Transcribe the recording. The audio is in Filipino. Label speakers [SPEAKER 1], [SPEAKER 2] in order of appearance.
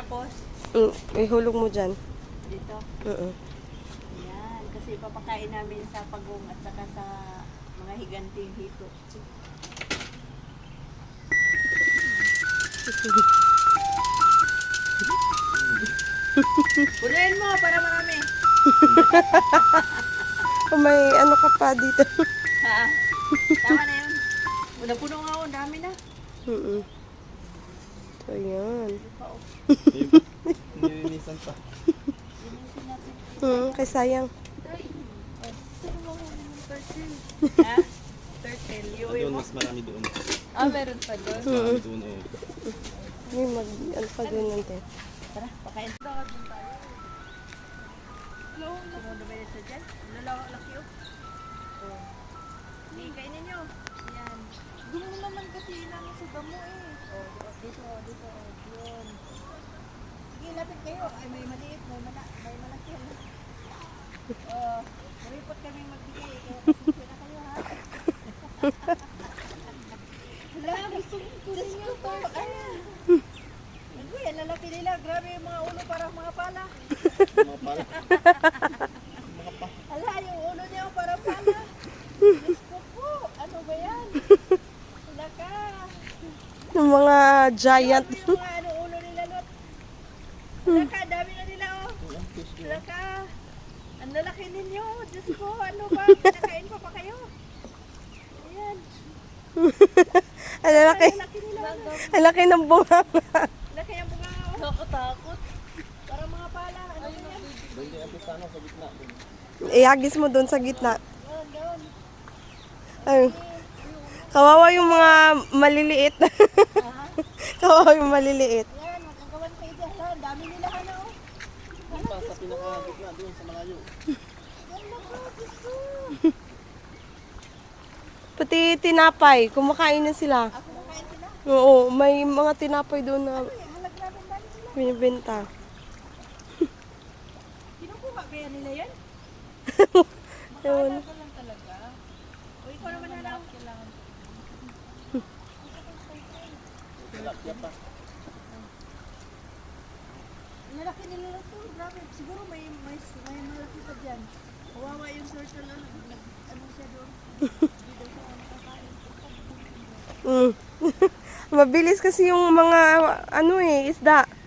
[SPEAKER 1] Tapos,
[SPEAKER 2] Ihulog mo dyan.
[SPEAKER 1] dito. Yan. Kasi papakain namin sa pagong at saka sa mga higanting hito. Punuin mo para marami.
[SPEAKER 2] May ano ka pa dito.
[SPEAKER 1] Ha? Tama na yun. Puno nga ako. Dami na.
[SPEAKER 2] So, yan.
[SPEAKER 3] Nilinisan pa.
[SPEAKER 1] Linisin natin.
[SPEAKER 2] Kay sayang.
[SPEAKER 1] Ha? Turtle. Iuwi
[SPEAKER 3] Doon,
[SPEAKER 1] mo.
[SPEAKER 3] mas marami doon.
[SPEAKER 1] Meron pa doon.
[SPEAKER 3] Mas marami doon, oh.
[SPEAKER 2] May ano pa din natin.
[SPEAKER 1] Tara, pakain. Dapat din tayo. Sumunod ba yun sa dyan? Laki oh. Hindi, kainin nyo. Yan.
[SPEAKER 4] Doon mo naman kasi namin sa damo eh.
[SPEAKER 1] Dito. Yun. Sige, lapit kayo. Ay, may maliit, may malaki. Maripot kami magbigay. Kaya pasensya na kayo, ha? Wala, gusto ko to. Ayan. Uy, ang lalaki nila. Grabe yung mga ulo, parang mga pala.
[SPEAKER 3] Mga pala.
[SPEAKER 1] Ala, yung ulo niya parang pala. Diyos ko po. Ano ba yan? Wala ka.
[SPEAKER 2] Yung mga giant.
[SPEAKER 1] Grabe yung mga ulo nila, Lot. Wala ka, dami na nila, oh. Wala ka. Ang lalaki ninyo. Diyos ko, ano ba? Kinakain pa kayo? Ayan.
[SPEAKER 2] Ang laki.
[SPEAKER 1] Ang laki nila.
[SPEAKER 2] Ang laki ng bunga.
[SPEAKER 1] Laki ang bunga, oh.
[SPEAKER 4] Nakatakot.
[SPEAKER 1] Parang mga pala. Ano ba yan?
[SPEAKER 3] Doon din ang pisano sa gitna. Doon.
[SPEAKER 2] Ihagis mo doon sa gitna.
[SPEAKER 1] Doon.
[SPEAKER 2] Ay, kawawa yung mga maliliit. Kawawa yung maliliit.
[SPEAKER 1] Yan, magkakawan kayo dyan. Hala, ang dami nila, ano, oh.
[SPEAKER 3] Doon pa sa pinaka-gitna, doon sa malayo.
[SPEAKER 1] Wala ka, Diyos ko.
[SPEAKER 2] Pati tinapay, kumakain na sila.
[SPEAKER 1] Ako makain sila.
[SPEAKER 2] Oo, may mga tinapay doon na
[SPEAKER 1] Ay, halaglaban dali sila.
[SPEAKER 2] binibenta.
[SPEAKER 1] Kinukuha kaya nila yan?
[SPEAKER 2] Yun.
[SPEAKER 4] Ito lang talaga.
[SPEAKER 1] O ikaw naman halaw.
[SPEAKER 4] Kailangan.
[SPEAKER 3] Tilapia pa.
[SPEAKER 1] Ang lalaki nila na to. Grabe. Siguro may malaki pa dyan. Kawawa yung turtle. Ano siya doon? Hindi daw siya nakakain.
[SPEAKER 2] Mabilis kasi yung mga ano isda.